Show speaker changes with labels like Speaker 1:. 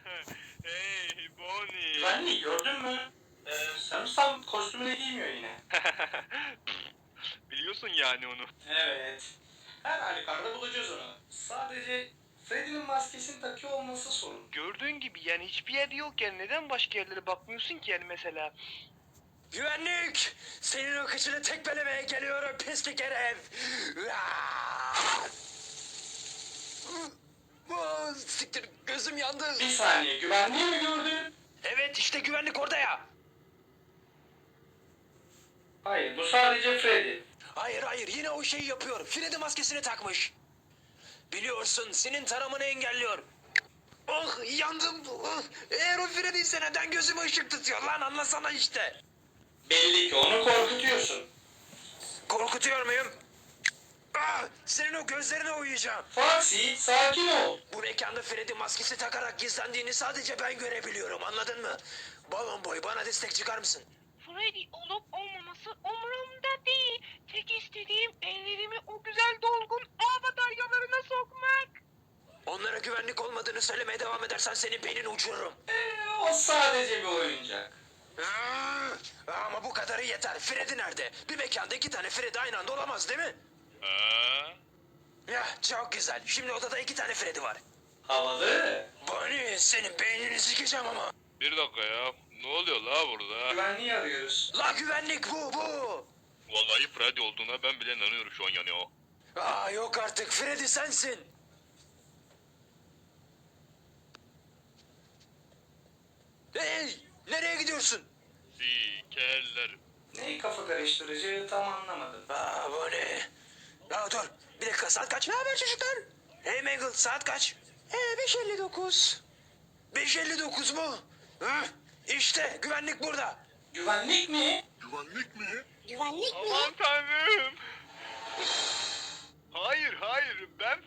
Speaker 1: Hey Bonnie.
Speaker 2: Güvenlik gördün mü? Sanırsam kostümünü giymiyor yine.
Speaker 1: Biliyorsun yani onu.
Speaker 2: Evet. Her halükarda bulacağız onu. Sadece Freddy'nin maskesini takıyor olması sorun.
Speaker 1: Gördüğün gibi yani hiçbir yer yok yani neden başka yerlere bakmıyorsun ki yani mesela?
Speaker 3: Güvenlik! Senin o kıçını tekmelemeye geliyorum pislik herif! Siktir gözüm yandı.
Speaker 2: Bir saniye, güvenliği mi gördün?
Speaker 3: Evet işte güvenlik orada ya.
Speaker 2: Hayır, bu sadece Freddy.
Speaker 3: Hayır yine o şeyi yapıyor. Freddy maskesini takmış. Biliyorsun senin taramanı engelliyor. Oh yandım. Oh. Eğer o Freddy ise neden gözüme ışık tutuyor lan anlasana işte.
Speaker 2: Belli ki onu korkutuyorsun.
Speaker 3: Korkutuyor muyum? Ah, senin o gözlerine uyuyacağım.
Speaker 2: Foxy, sakin ol.
Speaker 3: Bu mekanda Freddy maskesi takarak gizlendiğini sadece ben görebiliyorum anladın mı? Balon boy bana destek çıkar mısın?
Speaker 4: Freddy olup olmaması umurumda değil. Tek istediğim ellerimi o güzel dolgun ağ bataryalarına sokmak.
Speaker 3: Onlara güvenlik olmadığını söylemeye devam edersen senin beynini uçururum.
Speaker 2: O sadece bir oyuncak.
Speaker 3: Ama bu kadarı yeter. Freddy nerede? Bir mekanda iki tane Freddy aynı anda olamaz değil mi?
Speaker 1: Ha?
Speaker 3: Ya çok güzel. Şimdi odada iki tane Freddy var.
Speaker 2: Havalı.
Speaker 3: Bonnie senin beynini sikeceğim ama.
Speaker 1: Bir dakika ya. Ne oluyor la burada?
Speaker 2: Güvenliği arıyoruz.
Speaker 3: La güvenlik bu.
Speaker 1: Vallahi Freddy olduğuna ben bile inanıyorum şu an yani o.
Speaker 3: Yok artık Freddy sensin. Hey nereye gidiyorsun?
Speaker 1: Sikerler.
Speaker 2: Neyi kafa karıştırıcı tam anlamadım.
Speaker 3: Bonnie. Dur bir dakika saat kaç? Ne haber çocuklar? Hey Mangle saat kaç? 5:59. 5:59 mu? İşte güvenlik burada.
Speaker 2: Güvenlik mi?
Speaker 1: Güvenlik mi?
Speaker 4: Güvenlik
Speaker 1: Aman tanrım. Hayır ben